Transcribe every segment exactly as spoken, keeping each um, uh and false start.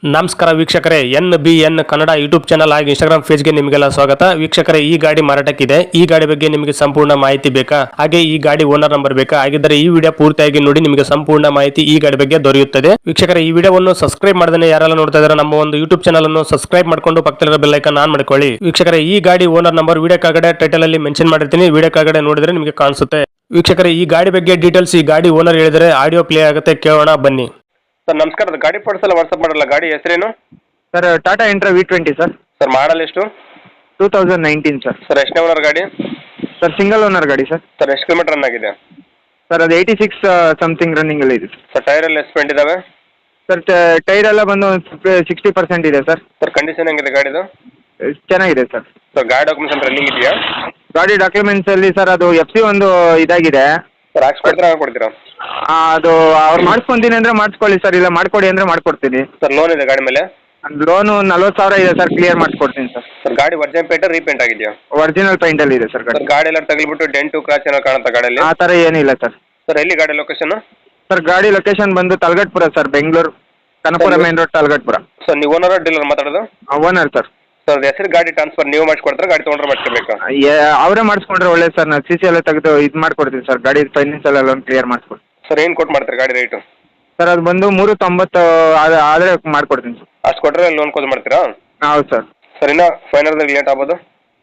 ನಮಸ್ಕಾರ ವೀಕ್ಷಕರೇ, N B N Kannada YouTube channel ಹಾಗೆ ಇನ್ಸ್ಟಾಗ್ರಾಮ್ ಪೇಜ್ಗೆ ನಿಮಗೆಲ್ಲ ಸ್ವಾಗತ. ವೀಕ್ಷಕರೇ, ಈ ಗಾಡಿ ಮಾರಾಟಕ್ಕಿದೆ. ಈ ಗಾಡಿ ಬಗ್ಗೆ ನಿಮಗೆ ಸಂಪೂರ್ಣ ಮಾಹಿತಿ ಬೇಕಾ, ಹಾಗೆ ಈ ಗಾಡಿ ಓನರ್ ನಂಬರ್ ಬೇಕಾ? ಹಾಗಿದ್ದರೆ ಈ ವಿಡಿಯೋ ಪೂರ್ತಿಯಾಗಿ ನೋಡಿ, ನಿಮಗೆ ಸಂಪೂರ್ಣ ಮಾಹಿತಿ ಈ ಗಾಡಿ ಬಗ್ಗೆ ದೊರೆಯುತ್ತದೆ. ವೀಕ್ಷಕರೇ, ಈ ವಿಡಿಯೋವನ್ನು ಸಬ್ಸ್ಕ್ರೈಬ್ ಮಾಡದೇ ಯಾರೆಲ್ಲ ನೋಡ್ತಾ ಇದ್ದಾರೆ ನಮ್ಮ ಒಂದು ಯೂಟ್ಯೂಬ್ ಚಾನಲ್ ಅನ್ನು ಸಬ್ಸ್ಕ್ರೈಬ್ ಮಾಡ್ಕೊಂಡು ಪಕ್ಕದಲ್ಲಿರೋ ಬೆಲ್ ಐಕಾನ್ ಆನ್ ಮಾಡ್ಕೊಳ್ಳಿ. ವೀಕ್ಷಕರೇ, ಈ ಗಾಡಿ ಓನರ್ ನಂಬರ್ ವಿಡಿಯೋ ಕೆಳಗಡೆ ಟೈಟಲ್ ಅಲ್ಲಿ ಮೆನ್ಷನ್ ಮಾಡಿರ್ತೀನಿ, ವಿಡಿಯೋ ಕೆಳಗಡೆ ನೋಡಿದ್ರೆ ನಿಮಗೆ ಕಾಣಿಸುತ್ತೆ. ವೀಕ್ಷಕರೇ, ಈ ಗಾಡಿ ಬಗ್ಗೆ ಡೀಟೇಲ್ಸ್ ಈ ಗಾಡಿ ಓನರ್ ಹೇಳಿದರೆ ಆಡಿಯೋ ಪ್ಲೇ ಆಗುತ್ತೆ, ಕೇಳೋಣ ಬನ್ನಿ. ಸರ್ ನಮಸ್ಕಾರ, ಗಾಡಿ ಫೋಟೋಸ್ ಎಲ್ಲ ವಾಟ್ಸಪ್ ಮಾಡಲ್ಲ. ಗಾಡಿ ಹೆಸರೇನು sir? Tata Intra V twenty sir. Sir model ಎಷ್ಟು? Two thousand nineteen sir. Sir ಎಷ್ಟನೇ ಓನರ್ ಗಾಡಿ? ಸರ್ ಸಿಂಗಲ್ ಓನರ್ ಗಾಡಿ ಸರ್. ಸರ್ ಎಷ್ಟು ಕಿಲೋಮೀಟರ್ ರನ್ ಆಗಿದೆ? ಸರ್ ಅದು ಏಯ್ಟಿ ಸಿಕ್ಸ್ ಸಮಥಿಂಗ್ ರನ್ನಿಂಗಲ್ಲಿ ಇದೆ ಸರ್ ಟೈರ್ ಎಲ್ಲ ಎಸ್ಪೆಂಟ್ ಇದಾವೆ? ಸರ್ ಟೈರ್ ಎಲ್ಲ ಬಂದು ಸಿಕ್ಸ್ಟಿ ಪರ್ಸೆಂಟ್ ಇದೆ ಸರ್. ಸರ್ ಕಂಡೀಷನ್ ಹೆಂಗಿದೆ ಗಾಡಿದು? ಚೆನ್ನಾಗಿದೆ ಸರ್. ಸರ್ ಗಾಡಿ ಡಾಕ್ಯುಮೆಂಟ್ಸ್ ಅಂತ ರನ್ನಿಂಗ್ ಇದೆಯಾ? ಗಾಡಿ ಡಾಕ್ಯುಮೆಂಟ್ಸಲ್ಲಿ ಸರ್ ಅದು ಎಫ್ ಸಿ ಒಂದು ಇದಾಗಿದೆ ಸರ್ ಹಾಕ್ಸ್ಕೊಡ್ತೀರಾ ಕೊಡ್ತೀರಾ? ಆ, ಅದು ಅವ್ರು ಮಾಡಿಸ್ಕೊಂತೀನಿ ಅಂದರೆ ಮಾಡಿಸ್ಕೊಳ್ಳಿ ಸರ್, ಇಲ್ಲ ಮಾಡಿಕೊಡಿ ಅಂದರೆ ಮಾಡಿಕೊಡ್ತೀನಿ. ಸರ್ ಲೋನ್ ಇದೆ ಗಾಡಿ ಮೇಲೆ? ಲೋನು ನಲ್ವತ್ತು ಸಾವಿರ ಇದೆ ಸರ್, ಕ್ಲಿಯರ್ ಮಾಡಿಸ್ಕೊಡ್ತೀನಿ ಸರ್. ಸರ್ ಗಾಡಿ ಒರಿಜಿನಲ್ ಪೇಂಟ್ ರೀಪೇಂಟ್ ಆಗಿದೆಯಾ? ಒರಿಜಿನಲ್ ಪೈಂಟಲ್ಲಿ ಇದೆ ಸರ್ ಗಾಡಿ. ಸರ್ ಗಾಡಿ ಎಲ್ಲ ತಗಲಿಬಿಟ್ಟು ಡೆಂಟು ಕ್ರಾಚ್ ಏನೋ ಕಾಣುತ್ತಾ ಗಾಡಿಯಲ್ಲಿ? ಆ ಥರ ಏನಿಲ್ಲ ಸರ್. ಸರ್ ಎಲ್ಲಿ ಗಾಡಿ ಲೊಕೇಶನ್? ಸರ್ ಗಾಡಿ ಲೊಕೇಶನ್ ಬಂದು Talagatpura sir, Bengaluru Kanapura main road Talagatpura. Sir ನೀವು ಓನರ್ ಡೀಲರ್ ಮಾತಾಡೋದು? Owner sir. ಸರ್ ಹೆಸರು ಗಾಡಿ ಟ್ರಾನ್ಸ್ಫರ್ ನೀವು ಮಾಡಿಸ್ಕೊಡ್ತಾರೆ, ಗಾಡಿ ತೊಗೊಂಡ್ರೆ ಮಾಡಿಸ್ಕೋಬೇಕಾ? ಅವರೇ ಮಾಡಿಸ್ಕೊಂಡ್ರೆ ಒಳ್ಳೇದು ಸರ್. ನಾನು ಸಿ ಸಿ ಎಲ್ಲ ತೆಗೆದು ಇದು ಮಾಡ್ಕೊಡ್ತೀನಿ ಸರ್, ಗಾಡಿ ಫೈನಾನ್ಸ್ ಎಲ್ಲ ಲೋನ್ ಕ್ಲಿಯರ್ ಮಾಡಿಸ್ಕೊಡ್ತೀನಿ. ಸರ್ ಏನು ಕೊಟ್ಟು ಮಾಡ್ತಾರೆ ಗಾಡಿ ರೇಟು? ಸರ್ ಅದು ಬಂದು ಮೂರು ತೊಂಬತ್ತು ಆದರೆ ಮಾಡಿಕೊಡ್ತೀನಿ ಸರ್. ಅಷ್ಟು ಕೊಟ್ಟರೆ ಲೋನ್ ಕ್ಲೋಸ್ ಮಾಡ್ತೀರಾ? ಹೌದು ಸರ್. ಸರ್ ಇನ್ನೂ ಫೈನಲ್ದಾಗ ಲೇಟ್ ಆಗ್ಬೋದು?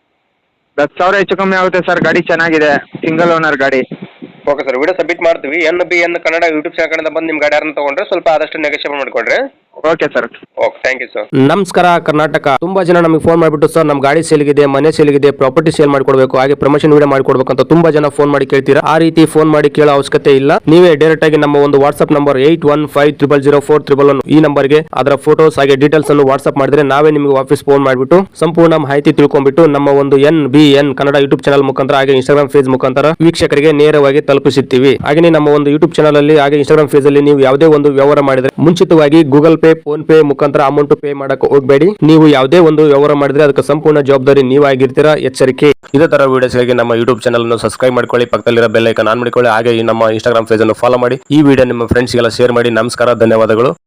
ಹತ್ತು ಸಾವಿರ ಹೆಚ್ಚು ಕಮ್ಮಿ ಆಗುತ್ತೆ ಸರ್. ಗಾಡಿ ಚೆನ್ನಾಗಿದೆ, ಸಿಂಗಲ್ ಓನರ್ ಗಾಡಿ. ಓಕೆ ಸರ್, ವಿಡಿಯೋ ಸಬ್ಮಿಟ್ ಮಾಡ್ತೀವಿ. N B N Kannada YouTube channel ಕಡೆಯಿಂದ ಬಂದು ನಿಮ್ಮ ಗಾಡಿ ಯಾರನ್ನ ತೊಗೊಂಡ್ರೆ ಸ್ವಲ್ಪ ಆದಷ್ಟು ನೆಗೋಷಿಯೇಟ್ ಮಾಡಿಕೊಡ್ರಿ. Okay sir. Okay, thank you sir. ನಮಸ್ಕಾರ ಕರ್ನಾಟಕ. ತುಂಬಾ ಜನ ನಮಗೆ ಫೋನ್ ಮಾಡಿಬಿಟ್ಟು ಸರ್ ನಮ್ಮ ಗಾಡಿ ಸೇಲ್ಗಿದೆ, ಮನೆ ಸೇಲ್ಗಿದೆ, ಪ್ರಾಪರ್ಟಿ ಸೇಲ್ ಮಾಡ್ಕೊಡ್ಬೇಕು, ಹಾಗೆ ಪ್ರಮೋಷನ್ ವಿಡಿಯೋ ಮಾಡ್ಕೊಡ್ಬೇಕು ಅಂತ ತುಂಬಾ ಜನ ಫೋನ್ ಮಾಡಿ ಕೇಳ್ತೀರಾ. ಆ ರೀತಿ ಫೋನ್ ಮಾಡಿ ಕೇಳೋ ಅವಶ್ಯಕತೆ ಇಲ್ಲ. ನೀವೇ ಡೈರೆಕ್ಟ್ ಆಗಿ ನಮ್ಮ ಒಂದು WhatsApp number eight one five triple zero four triple one ಈ ನಂಬರ್ಗೆ ಅದರ ಫೋಟೋಸ್ ಹಾಗೆ ಡೀಟೇಲ್ಸ್ ಅನ್ನು ವಾಟ್ಸ್ಆಪ್ ಮಾಡಿದ್ರೆ ನಾವೇ ನಿಮಗೆ ವಾಪಸ್ ಫೋನ್ ಮಾಡಿಬಿಟ್ಟು ಸಂಪೂರ್ಣ ಮಾಹಿತಿ ತಿಳ್ಕೊಂಡ್ಬಿಟ್ಟು ನಮ್ಮ ಒಂದು N B N Kannada YouTube channel ಮುಖಾಂತರ ಹಾಗೆ ಇನ್ಸ್ಟಾಗ್ರಾಮ್ ಪೇಜ್ ಮುಖಾಂತರ ವೀಕ್ಷಕರಿಗೆ ನೇರವಾಗಿ ತಲುಪಿಸುತ್ತೀವಿ. ಹಾಗೆ ನಮ್ಮ ಒಂದು ಯೂಟ್ಯೂಬ್ ಚಾನಲ್ ಅಲ್ಲಿ ಹಾಗೆ ಇನ್ಸ್ಟಾಗ್ರಾಮ್ ಪೇಜ್ ಅಲ್ಲಿ ನೀವು ಯಾವುದೇ ಒಂದು ವ್ಯವಹಾರ ಮಾಡಿದ್ರೆ ಮುಂಚಿತವಾಗಿ ಗೂಗಲ್ ಪೇ, ಫೋನ್ ಪೇ ಮುಖಾಂತರ ಅಮೌಂಟ್ ಪೇ ಮಾಡಕ್ಕೆ ಹೋಗಬೇಡಿ. ನೀವು ಯಾವುದೇ ಒಂದು ವ್ಯವಹಾರ ಮಾಡಿದ್ರೆ ಅದಕ್ಕೆ ಸಂಪೂರ್ಣ ಜವಾಬ್ದಾರಿ ನೀವಾಗಿರ್ತೀರಾ, ಎಚ್ಚರಿಕೆ. ಇದೇ ತರ ವಿಡಿಯೋಸ್ಗಾಗಿ ನಮ್ಮ ಯೂಟ್ಯೂಬ್ ಚಾನಲ್ ಅನ್ನು ಸಬ್ಸ್ಕ್ರೈಬ್ ಮಾಡ್ಕೊಳ್ಳಿ, ಪಕ್ಕದಲ್ಲಿರೋ ಬೆಲ್ ಐಕಾನ್ ಆನ್ ಮಾಡಿಕೊಳ್ಳಿ, ಹಾಗೆ ಈ ನಮ್ಮ ಇನ್ಸ್ಟಾಗ್ರಾಮ್ ಪೇಜ್ ಅನ್ನು ಫಾಲೋ ಮಾಡಿ. ಈ ವಿಡಿಯೋ ನಿಮ್ಮ ಫ್ರೆಂಡ್ಸ್ಗೆಲ್ಲ ಶೇರ್ ಮಾಡಿ. ನಮಸ್ಕಾರ, ಧನ್ಯವಾದಗಳು.